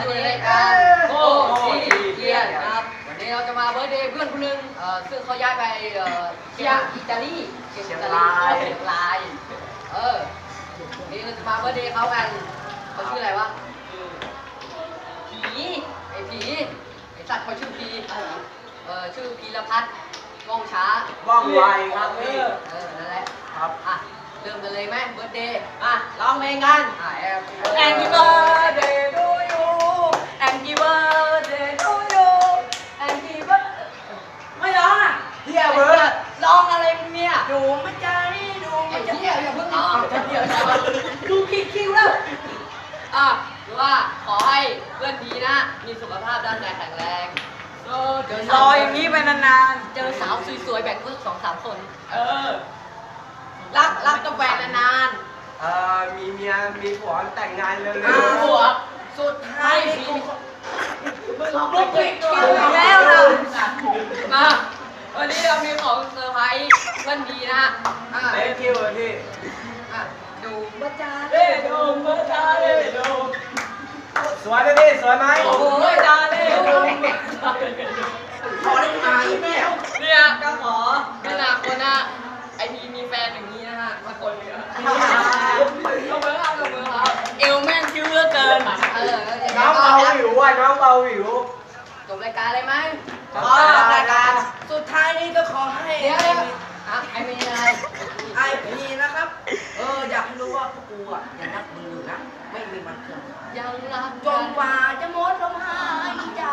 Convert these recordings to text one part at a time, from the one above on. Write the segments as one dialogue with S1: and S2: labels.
S1: อยู่ในรายการโก้ทีเกียร์นะครับวันนี้เราจะมาเบิร์ธเดย์เพื่อนคนหนึ่งซึ่งเขาย้ายไปเชียร์อิตาลีเชียงรายนี่เราจะมาเบิร์ธเดย์เขากันเขาชื่ออะไรวะผีไอ้สัตว์เขาชื่อผีชื่อพีรพัฒน์ว่องช้า
S2: ว่องไวครับพี่
S1: นั่นแหละ
S2: ครับ
S1: เริ่มกันเลยไหมเบิร์ธเดย์
S2: ร้องเพลงกัน
S1: Happy birthday to you Happy birthday to you Happy birthday ไม่ร้อง
S2: เฮียเบิร์ด
S1: ร้องอะไรมึงเนี่ย
S2: ดูไม่ใจดูไม่ใจ
S1: อย่าเพิ่งร้องเดี๋ยวดูคิวแล้วหรือว่าขอให้เพื่อนดีนะมีสุขภาพร่างกายแข็งแรง
S2: รออย่างนี้ไปนาน
S1: ๆเจอสาวสวยๆแบ่งเพื่อน2-3 คนรักกับแฟนนาน
S2: ๆมีเมียมีผัวแต่งงานเร็ว
S1: ๆผัวสุดท้ายลูกติดตัวแล้วนะวันนี้เรามีของเซอร์ไพรส์เพื่อนดีนะ
S2: เล่นคิวพี่
S1: ดูมาจ้า
S2: ดูมาจ้าดูสวยไหมพี่สวยไหม
S1: โอ้โหจ้าเลย
S2: ขอได้ไหมแมว
S1: เนี่ยก็ขอไม่นาคนนะไอพีมีแฟนอย่างนี้นะฮะมาคนเดียวลงมือครับเอวแม่งคิ้วเลือเกิน
S2: น้องเบาหิวน้องเบาหิว
S1: จบรายการเลยไหม
S2: จบรายการสุดท้ายนี้ก็ขอให้
S1: ไอมีอะไร
S2: ไอพีนะครับอยากให้รู้ว่าพวกกูยังรักมึงอยู่นะไม่มีมันเกิน
S1: ยังรัก
S2: จนกว่าจะหมดลมหายใจ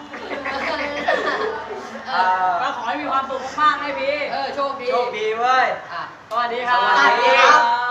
S1: ก็ขอให้มีความสุขมากๆให้พี่
S2: โชคดีเว้ย
S1: สวัสดีครับ